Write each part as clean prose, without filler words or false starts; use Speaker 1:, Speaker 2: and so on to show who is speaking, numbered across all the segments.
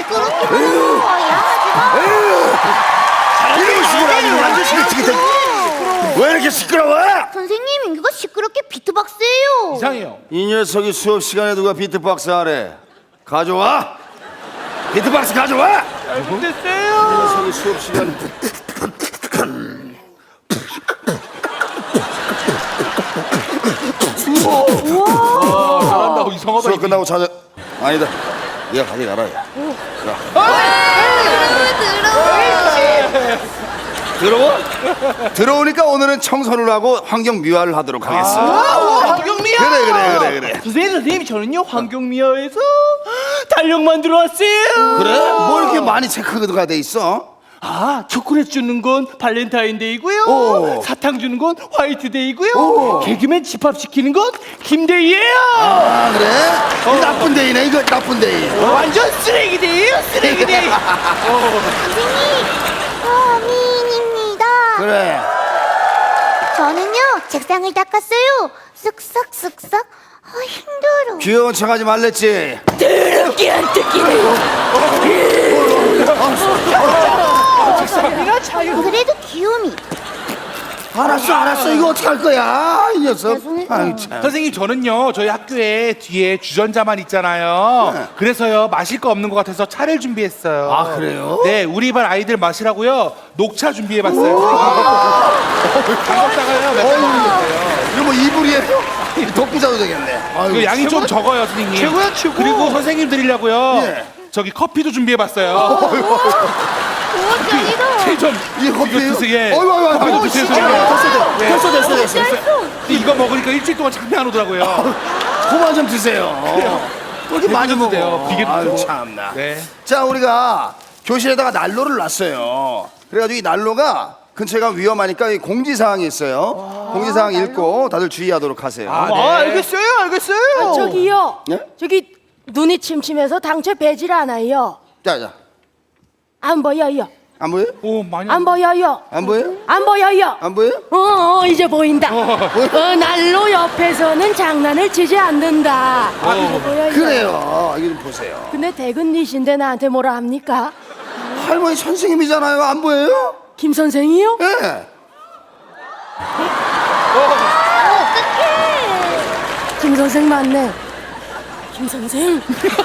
Speaker 1: 시끄럽게 하는 거야.
Speaker 2: 이런 식으로 아주 완전 시끄럽게. 왜 이렇게 시끄러워?
Speaker 1: 선생님, 이거 시끄럽게 비트박스예요.
Speaker 3: 이상해요.
Speaker 2: 이 녀석이 수업 시간에 누가 비트박스 하래? 가져와. 비트박스 가져와.
Speaker 3: 잘못됐어요.
Speaker 2: 이 녀석이 수업 시간에.
Speaker 3: 잘한다. 이상하다.
Speaker 2: 수업 끝나고 찾아. 아니다. 네가 가져가라. 들어와? 들어오니까 오늘은 청소를 하고 환경 미화를 하도록 하겠습니다.
Speaker 3: 환경미화.
Speaker 2: 그래.
Speaker 3: 선생님 저는요 환경미화에서 달력 만들어 왔어요.
Speaker 2: 그래? 뭐 이렇게 많이 체크가 돼 있어?
Speaker 3: 아, 초콜릿 주는 건 발렌타인데이고요.
Speaker 2: 오.
Speaker 3: 사탕 주는 건 화이트데이고요.
Speaker 2: 오.
Speaker 3: 개그맨 집합시키는 건 김데이예요.
Speaker 2: 아 그래? 이 나쁜 데이네 이거 나쁜 데이.
Speaker 3: 완전 쓰레기데이예요, 쓰레기데이.
Speaker 1: 선생님, 미인입니다.
Speaker 2: 그래.
Speaker 1: 저는요, 책상을 닦았어요. 쓱싹. 힘들어.
Speaker 2: 귀여운 척하지 말랬지.
Speaker 1: 더럽게 안 뜯기네.
Speaker 3: 책상이나 자유.
Speaker 1: 그래도 귀요미.
Speaker 2: 알았어 이거 어떻게 할 거야 이 녀석.
Speaker 1: 죄송해요.
Speaker 2: 아유 참.
Speaker 3: 선생님 저는요 저희 학교에 뒤에 주전자만 있잖아요.
Speaker 2: 네.
Speaker 3: 그래서요 마실 거 없는 것 같아서 차를 준비했어요.
Speaker 2: 아, 그래요?
Speaker 3: 네, 우리 반 아이들 마시라고요 녹차 준비해봤어요. 반갑다가요 몇 번 먹었어요.
Speaker 2: 이거 뭐 이불이에요? 독부자도 되겠네. 아유,
Speaker 3: 그 양이 좀 적어요, 선생님.
Speaker 2: 최고야, 최고.
Speaker 3: 그리고 선생님 드리려고요.
Speaker 2: 예.
Speaker 3: 저기 커피도 준비해봤어요.
Speaker 1: 짱이다.
Speaker 3: 좀
Speaker 2: 이게 커피예요?
Speaker 3: 이거 드세요. 예.
Speaker 2: 어이구,
Speaker 3: 커피도 드세요, 선생님.
Speaker 2: 됐어.
Speaker 3: 근데 이거 먹으니까 일주일 동안 잠이 안 오더라고요.
Speaker 2: 그만 좀 드세요. 그렇게 많이
Speaker 3: 비계도 드세요.
Speaker 2: 먹어.
Speaker 3: 비계도
Speaker 2: 아유
Speaker 3: 드세요.
Speaker 2: 참나.
Speaker 3: 네.
Speaker 2: 자 우리가 교실에다가 난로를 놨어요. 그래가지고 이 난로가 근처가 위험하니까 이 공지사항이 있어요. 공지사항 읽고 다들 주의하도록 하세요.
Speaker 3: 아, 네.
Speaker 4: 알겠어요. 저기요.
Speaker 2: 예?
Speaker 4: 저기 눈이 침침해서 당최 배질 않아요.
Speaker 2: 자.
Speaker 4: 안 보여요.
Speaker 2: 안 보여?
Speaker 3: 오, 많이.
Speaker 4: 안 보여요.
Speaker 2: 안 보여?
Speaker 4: 안 보여요.
Speaker 2: 안 보여?
Speaker 4: 이제 보인다. 난로 옆에서는 장난을 치지 않는다. 이제 보여요.
Speaker 2: 그래요. 이거 좀 보세요.
Speaker 4: 근데 대근니신데 나한테 뭐라 합니까?
Speaker 2: 할머니 선생님이잖아요. 안 보여요?
Speaker 4: 김 선생이요?
Speaker 2: 예.
Speaker 4: 김 선생 맞네. 김 선생.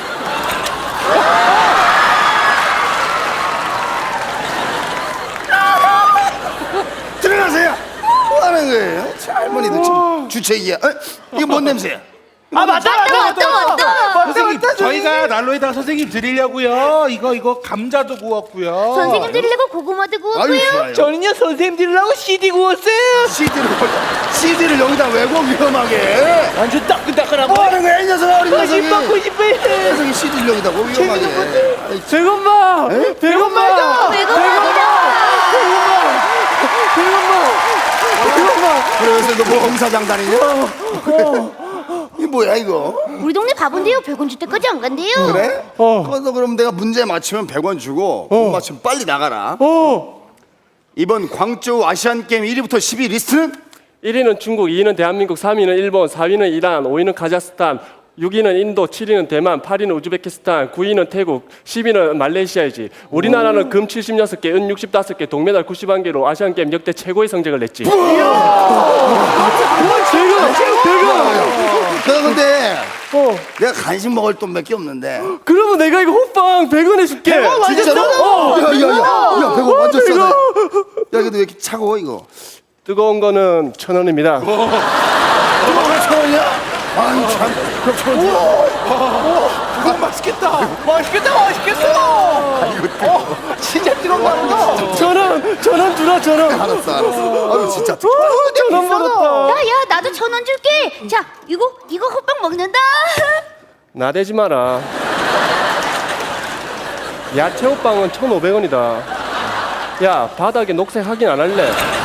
Speaker 2: 들어가세요. 뭐 하는 거예요? 참, 할머니도 참 주책이야. 이게 뭔 냄새야?
Speaker 3: 아, 맞다. 선생님,
Speaker 2: 맞다,
Speaker 3: 저희가 난로에다가 선생님 드리려고요. 이거 감자도 구웠고요.
Speaker 1: 선생님 드리려고 고구마도
Speaker 2: 아유
Speaker 1: 구웠고요.
Speaker 2: 좋아요.
Speaker 3: 저는요 선생님 드리려고 CD 구웠어요.
Speaker 2: CD를 여기다 왜고 위험하게?
Speaker 3: 완전 따끈따끈하고.
Speaker 2: 뭐 하는 거야 이 녀석 어린 녀석이?
Speaker 3: 먹고 싶어요.
Speaker 2: 이 녀석이 CD를 여기다 뭐 위험하게? 아이,
Speaker 3: 백엄마. 백엄마.
Speaker 2: 그래서 너 뭐 홍사장 다니냐? 이 뭐야 이거?
Speaker 1: 우리 동네 바본데요. 100원 줄 때까지 안 간대요.
Speaker 2: 그래? 그래서 그럼 내가 문제 맞히면 100원 주고 못 맞히면 빨리 나가라. 이번 광저우 아시안 게임 1위부터 10위 리스트는
Speaker 5: 1위는 중국, 2위는 대한민국, 3위는 일본, 4위는 이란, 5위는 카자흐스탄, 6위는 인도, 7위는 대만, 8위는 우즈베키스탄, 9위는 태국, 10위는 말레이시아이지. 우리나라는 금 76개, 은 65개, 동메달 91개로 아시안게임 역대 최고의 성적을 냈지.
Speaker 2: 내가 근데 내가 간식 먹을 돈 몇 개 없는데
Speaker 5: 그러면 내가 이거 호빵 100원 해줄게.
Speaker 2: 진짜로? 야 100원 완전 싸다. 야 근데 왜 이렇게 차가워 이거?
Speaker 5: 뜨거운 거는 1,000원입니다.
Speaker 2: 뜨거운 1,000원이야? 아유 참 그럼 1,000원이야?
Speaker 3: 그거 맛있겠다. 진짜 뜨거운 거 같다.
Speaker 5: 1,000원 주라 1,000원.
Speaker 2: 알았어 아유 진짜
Speaker 5: 1,000원 벌었다.
Speaker 1: 야, 나도 1,000원 줄게. 자, 이거 호빵 먹는다.
Speaker 5: 나대지 마라. 야채 호빵은 1,500원이다. 야 바닥에 녹색 확인 안 할래?